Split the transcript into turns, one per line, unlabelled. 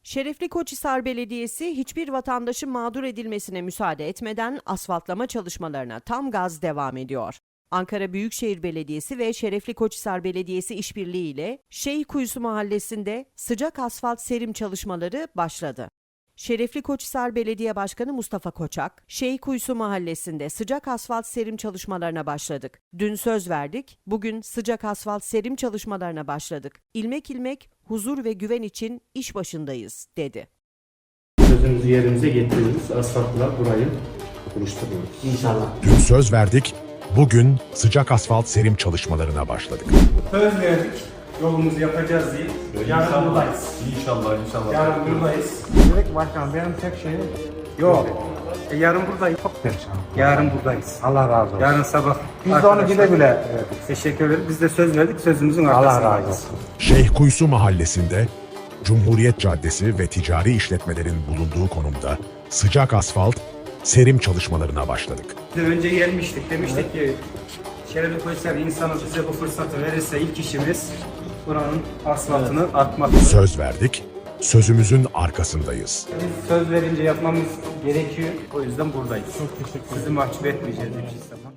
Şerefli Koçhisar Belediyesi hiçbir vatandaşın mağdur edilmesine müsaade etmeden asfaltlama çalışmalarına tam gaz devam ediyor. Ankara Büyükşehir Belediyesi ve Şerefli Koçhisar Belediyesi işbirliğiyle Şeyhkuyusu Mahallesi'nde sıcak asfalt serim çalışmaları başladı. Şerefli Koçhisar Belediye Başkanı Mustafa Koçak, Şeyhkuyusu Mahallesi'nde sıcak asfalt serim çalışmalarına başladık. Dün söz verdik, bugün sıcak asfalt serim çalışmalarına başladık. İlmek ilmek huzur ve güven için iş başındayız, dedi.
Sözümüzü yerimize getiriyoruz. Asfaltla burayı buluşturuyoruz.
İnşallah.
Dün söz verdik, bugün sıcak asfalt serim çalışmalarına başladık.
Söz verdik. Yolumuzu yapacağız diye. Yarın buradayız.
İnşallah.
Yarın buradayız.
Direkt başkan benim tek şeyim
Yok. Yarın buradayız.
çok perişan.
Yarın buradayız.
Allah razı olsun.
Yarın sabah.
Biz de onu güle güle
Teşekkür ederiz. Biz de söz verdik. Sözümüzün
Allah
arkasındayız.
razı olsun.
Şeyhkuyusu Mahallesi'nde Cumhuriyet Caddesi ve ticari işletmelerin bulunduğu konumda sıcak asfalt serim çalışmalarına başladık.
Biz de önce gelmiştik. Demiştik ki Şerefli Koçhisar insanı bize bu fırsatı verirse ilk işimiz buranın asfaltını atmak.
Söz verdik, sözümüzün arkasındayız.
Biz söz verince yapmamız gerekiyor. O yüzden buradayız. Çok teşekkür ederim. Sizi mahcup etmeyeceğiz hiçbir zaman.